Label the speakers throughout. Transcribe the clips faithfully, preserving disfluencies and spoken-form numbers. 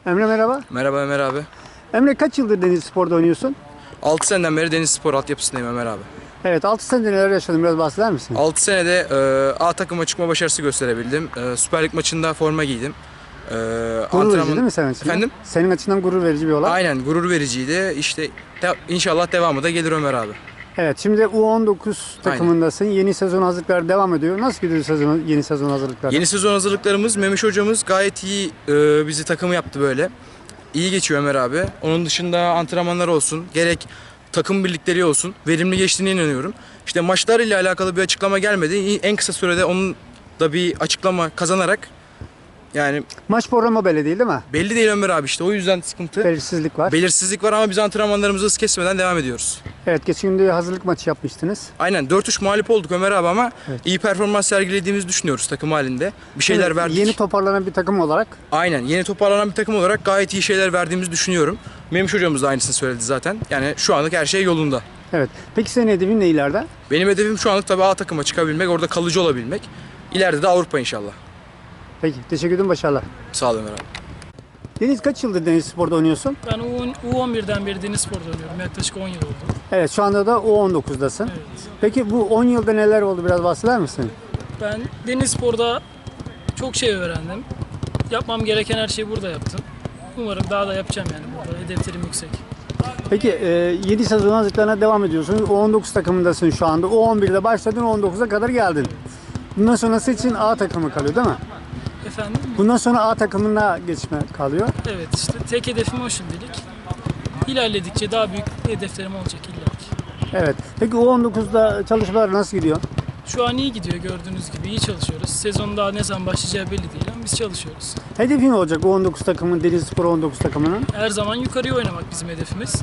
Speaker 1: Emre merhaba.
Speaker 2: Merhaba Ömer abi.
Speaker 1: Emre kaç yıldır Denizli Spor'da oynuyorsun?
Speaker 2: altı seneden beri Denizli Spor altyapısındayım Ömer abi.
Speaker 1: Evet, altı senede neler yaşadın, biraz bahseder misin?
Speaker 2: altı senede e, A takıma çıkma başarısı gösterebildim. E, Süper Lig maçında forma giydim. E,
Speaker 1: Gurur verici
Speaker 2: antrenman-
Speaker 1: değil mi senin açından?
Speaker 2: Efendim?
Speaker 1: Senin açından gurur verici bir olay.
Speaker 2: Aynen, gurur vericiydi. İşte de- inşallah devamı da gelir Ömer abi.
Speaker 1: Evet, şimdi U on dokuz takımındasın. Yeni sezon hazırlıkları devam ediyor. Nasıl gidiyor sezon, yeni sezon hazırlıkları?
Speaker 2: Yeni sezon hazırlıklarımız, Memiş hocamız gayet iyi e, bizi takımı yaptı böyle. İyi geçiyor Ömer abi. Onun dışında antrenmanlar olsun, gerek takım birlikleri olsun, verimli geçtiğine inanıyorum. İşte maçlar ile alakalı bir açıklama gelmedi. En kısa sürede onun da bir açıklama kazanarak, yani
Speaker 1: Maç programı belli değil değil mi?
Speaker 2: belli değil Ömer abi, işte o yüzden sıkıntı.
Speaker 1: Belirsizlik var.
Speaker 2: Belirsizlik var ama biz antrenmanlarımızı hız kesmeden devam ediyoruz.
Speaker 1: Evet, geçen gün de hazırlık maçı yapmıştınız.
Speaker 2: Aynen, dört üç mağlup olduk Ömer abi ama
Speaker 1: Evet.
Speaker 2: iyi performans sergilediğimizi düşünüyoruz takım halinde. Bir şeyler
Speaker 1: Şimdi
Speaker 2: verdik.
Speaker 1: Yeni toparlanan bir takım olarak.
Speaker 2: Aynen, yeni toparlanan bir takım olarak gayet iyi şeyler verdiğimizi düşünüyorum. Memiş hocamız da aynısını söyledi zaten. Yani şu anlık her şey yolunda.
Speaker 1: Evet. Peki senin hedefin ne ileride?
Speaker 2: Benim hedefim şu anlık tabii A takıma çıkabilmek, orada kalıcı olabilmek. İleride de Avrupa inşallah.
Speaker 1: Peki, teşekkür ederim, başarılar.
Speaker 2: Sağ olun Ömer abi.
Speaker 1: Deniz, kaç yıldır Denizli Spor'da oynuyorsun?
Speaker 3: Ben U on birden beri Deniz Spor'da oynuyorum. Yaklaşık on yıl oldu.
Speaker 1: Evet, şu anda da U on dokuzdasın.
Speaker 3: Evet.
Speaker 1: Peki bu on yılda neler oldu, biraz bahseder misin?
Speaker 3: Ben Deniz Spor'da çok şey öğrendim. Yapmam gereken her şeyi burada yaptım. Umarım daha da yapacağım yani burada. Hedeflerim yüksek.
Speaker 1: Peki e, yedi sezon hazırlıklarına devam ediyorsun. U on dokuz takımındasın şu anda. U on birde başladın, U on dokuza kadar geldin. Bundan sonrası için A takımı kalıyor değil mi?
Speaker 3: Efendim?
Speaker 1: Bundan sonra A takımına geçme kalıyor.
Speaker 3: Evet, işte tek hedefim o şimdilik. İlerledikçe daha büyük hedeflerim olacak illaki.
Speaker 1: Evet. Peki U on dokuzda çalışmalar nasıl gidiyor?
Speaker 3: Şu an iyi gidiyor, gördüğünüz gibi iyi çalışıyoruz. Sezon daha ne zaman başlayacağı belli değil ama biz çalışıyoruz.
Speaker 1: Hedefin ne olacak U on dokuz takımın, Denizli Spor U on dokuz takımının?
Speaker 3: Her zaman yukarıya oynamak bizim hedefimiz.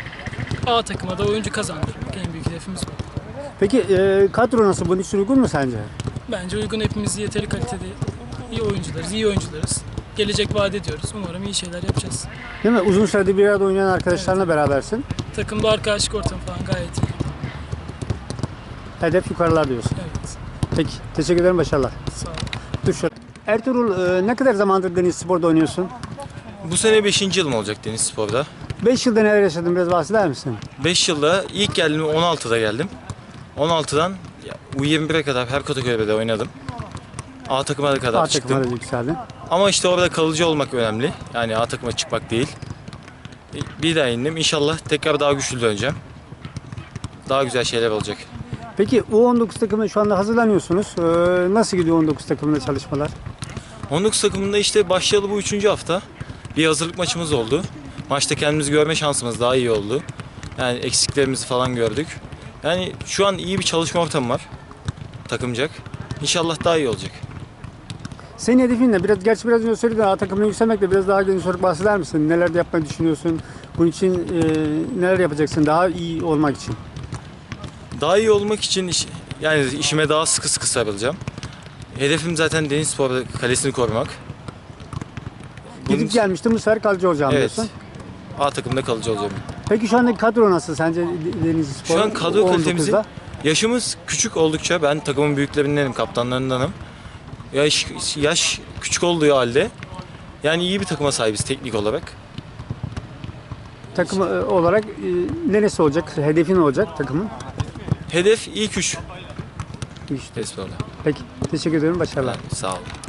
Speaker 3: A takıma da oyuncu kazandırmak en büyük hedefimiz bu.
Speaker 1: Peki e, kadro nasıl? Bunun için uygun mu sence?
Speaker 3: Bence uygun, hepimiz yeteri kalitede iyi oyuncularız, iyi oyuncularız. Gelecek vaat ediyoruz. Umarım iyi şeyler yapacağız.
Speaker 1: Değil mi? Uzun süredir bir arada oynayan arkadaşlarla berabersin.
Speaker 3: Takımda arkadaşlık ortamı falan gayet iyi.
Speaker 1: Hedef yukarılar diyorsun.
Speaker 3: Evet.
Speaker 1: Peki. Teşekkür ederim. Başarılar.
Speaker 3: Sağ olun.
Speaker 1: Dur şöyle. Ertuğrul, e, ne kadar zamandır Denizli Spor'da oynuyorsun?
Speaker 4: Bu sene beşinci yılım olacak Deniz Spor'da.
Speaker 1: beş yılda neler yaşadın, biraz bahseder misin?
Speaker 4: beş yılda ilk geldim on altıda geldim. on altıdan U yirmi bire kadar her kategoride oynadım. A takıma da kadar
Speaker 1: A
Speaker 4: çıktım.
Speaker 1: takımına da yükseldin.
Speaker 4: Ama işte orada kalıcı olmak önemli. Yani A takıma çıkmak değil. Bir daha indim. İnşallah tekrar daha güçlü döneceğim. Daha güzel şeyler olacak.
Speaker 1: Peki U on dokuz takımına şu anda hazırlanıyorsunuz. Ee, nasıl gidiyor U on dokuz takımında çalışmalar?
Speaker 4: on dokuz takımında işte başlayalı bu üçüncü hafta. Bir hazırlık maçımız oldu. Maçta kendimizi görme şansımız daha iyi oldu. Yani eksiklerimizi falan gördük. Yani şu an iyi bir çalışma ortamı var. Takımcak. İnşallah daha iyi olacak.
Speaker 1: Senin hedefin ne? Biraz, gerçi biraz önce söyledin, A takımına yükselmekle biraz daha geniş olarak bahseder misin? Neler de yapmayı düşünüyorsun? Bunun için e, neler yapacaksın daha iyi olmak için?
Speaker 4: Daha iyi olmak için iş- yani işime daha sıkı sıkı sarılacağım. Hedefim zaten Denizspor kalesini korumak. Bunun
Speaker 1: Gidip
Speaker 4: için-
Speaker 1: gelmiştin, bu sefer kalıcı olacağım
Speaker 4: Evet.
Speaker 1: diyorsun.
Speaker 4: A takımda kalıcı olacağım.
Speaker 1: Peki şu andaki kadro nasıl sence Denizli Spor?
Speaker 4: Şu an kadro
Speaker 1: U on
Speaker 4: kalitemizi
Speaker 1: dokuzda?
Speaker 4: yaşımız küçük oldukça ben takımın büyüklerindenim, kaptanlarındanım. Yaş, yaş küçük olduğu halde yani iyi bir takıma sahibiz teknik olarak.
Speaker 1: Takım e, olarak e, neresi olacak? Hedefin olacak takımın?
Speaker 4: Hedef ilk üç.
Speaker 1: İşte.
Speaker 4: Denizspor'da.
Speaker 1: Peki. Teşekkür ederim. Başarılar.
Speaker 4: Sağ olun.